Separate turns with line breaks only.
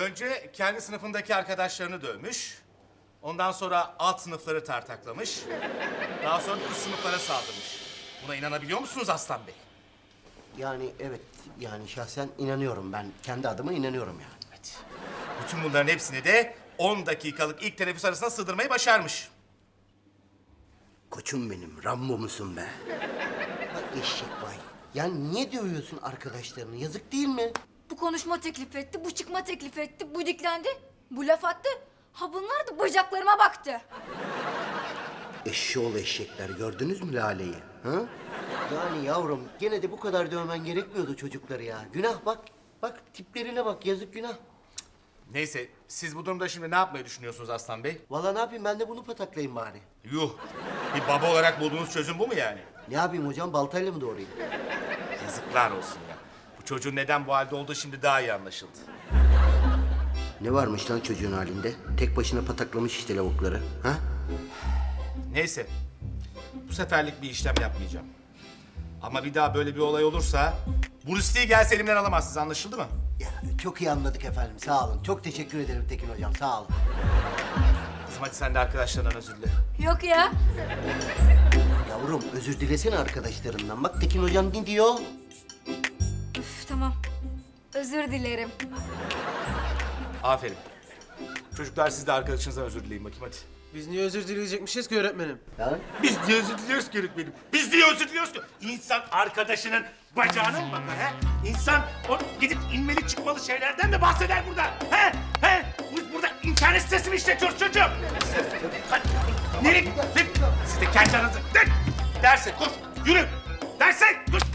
Önce kendi sınıfındaki arkadaşlarını dövmüş. Ondan sonra alt sınıfları tartaklamış. Daha sonra üst sınıflara saldırmış. Buna inanabiliyor musunuz Aslan Bey?
Yani evet, yani şahsen inanıyorum ben. Kendi adıma inanıyorum yani.
Evet. Bütün bunların hepsini de 10 dakikalık ilk teneffüs arasına sığdırmayı başarmış.
Koçum benim, Rambo musun be? Bak eşek vay. Yani niye dövüyorsun arkadaşlarını? Yazık değil mi?
Bu konuşma teklif etti, bu çıkma teklif etti, bu diklendi, bu laf attı. Ha bunlar da bacaklarıma baktı.
Eşşoğlu eşekler, gördünüz mü Lale'yi? Ha? Yani yavrum, gene de bu kadar dövmen gerekmiyordu çocukları ya. Günah bak, bak tiplerine bak, yazık günah.
Neyse, siz bu durumda şimdi ne yapmayı düşünüyorsunuz Aslan Bey?
Vallahi ne yapayım, ben de bunu pataklayayım bari.
Yuh! Bir baba olarak bulduğunuz çözüm bu mu yani?
Ne yapayım hocam, baltayla mı doğrayayım?
Yazıklar olsun ya. Bu çocuğun neden bu halde olduğu şimdi daha iyi anlaşıldı.
Ne varmış lan çocuğun halinde? Tek başına pataklamış işte lavukları, ha?
Neyse, bu seferlik bir işlem yapmayacağım. Ama bir daha böyle bir olay olursa... Bruce Lee gelse elimden alamazsınız, anlaşıldı mı?
Ya çok iyi anladık efendim, sağ olun. Çok teşekkür ederim Tekin hocam, sağ olun.
Kızım hadi sen de arkadaşlarından özür dile.
Yok ya.
Yavrum özür dilesene arkadaşlarından. Bak Tekin hocam ne diyor?
Üf, tamam. Özür dilerim.
Aferin. Çocuklar siz de arkadaşınızdan özür dileyin bakayım hadi.
Biz niye özür dileyecekmişiz ki öğretmenim?
Ya
Biz niye özür diliyoruz ki öğretmenim? Biz niye özür diliyoruz ki? İnsan arkadaşının bacağına mı bakar he? İnsan o gidip inmeli çıkmalı şeylerden mi bahseder burada? He? He? Biz burada internet sitesi mi işletiyoruz çocuğum? Hadi. Nereye? Siz de kendi aranızda. Derse koş, yürü. Derse koş.